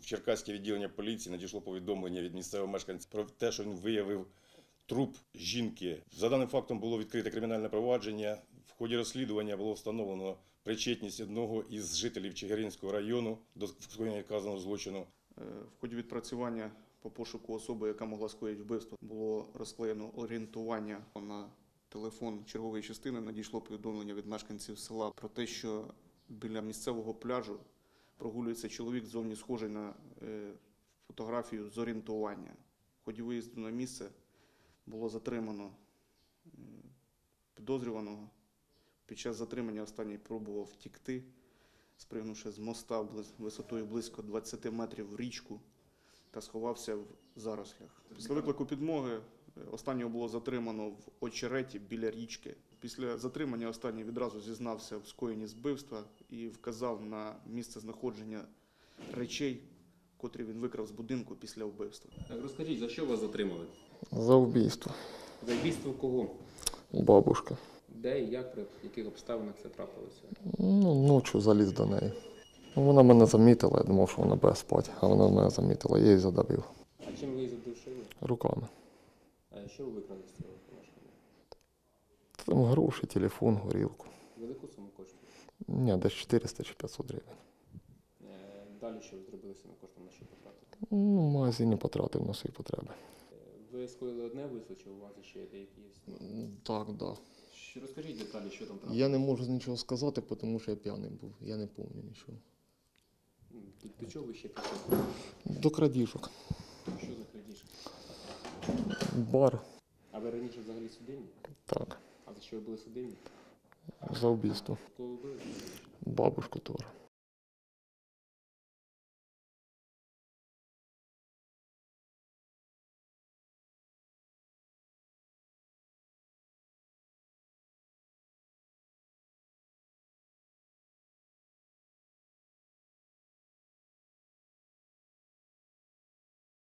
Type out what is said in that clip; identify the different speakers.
Speaker 1: Черкаське відділення поліції надійшло повідомлення від місцевого мешканця про те, що він виявив труп жінки. За даним фактом було відкрите кримінальне провадження. В ході розслідування було встановлено причетність одного із жителів Чигиринського району до скоєння вказаного злочину.
Speaker 2: В ході відпрацювання по пошуку особи, яка могла скоїти вбивство, було розклеєно орієнтування на телефон чергової частини. Надійшло повідомлення від мешканців села про те, що біля місцевого пляжу прогулюється чоловік, зовні схожий на фотографію з орієнтування. В ході виїзду на місце було затримано підозрюваного. Під час затримання останній пробував втікти, спригнувши з моста висотою близько 20 метрів в річку та сховався в зарослях. Після виклику підмоги останнього було затримано в очереті біля річки. Після затримання останній відразу зізнався в скоєнні збивства і вказав на місце знаходження речей, котрі він викрав з будинку після вбивства.
Speaker 3: Розкажіть, за що вас затримали?
Speaker 4: За вбивство.
Speaker 3: За вбивство кого?
Speaker 4: Бабушка.
Speaker 3: Де і як, при яких обставинах це трапилося?
Speaker 4: Ночі заліз до неї. Вона мене замітила, я думав, що вона буде спати, а вона мене замітила, я її задавив.
Speaker 3: А чим ви її задушили?
Speaker 4: Руками.
Speaker 3: А що ви викрали з цього помешкання?
Speaker 4: Там гроші, телефон, горілку.
Speaker 3: Велику суму коштує?
Speaker 4: Ні, десь 400 чи 500 гривень.
Speaker 3: Далі що ви зробили з цими коштами, на що потратили?
Speaker 4: В магазині потратив на свої потреби.
Speaker 3: Ви скоїли одне вбивство, чи у вас ще деякі є?
Speaker 4: Так, так. Да.
Speaker 3: Розкажіть деталі, що там трапилося.
Speaker 4: Я не можу нічого сказати, тому що я п'яний був. Я не пам'ятаю нічого.
Speaker 3: До чого ви ще пішли?
Speaker 4: До крадіжок.
Speaker 3: Що за крадіжки?
Speaker 4: Бар.
Speaker 3: А ви раніше взагалі судимі?
Speaker 4: Так.
Speaker 3: А за що ви були судимі?
Speaker 4: За вбивство.
Speaker 3: Кого ви били?
Speaker 4: Бабушку теж.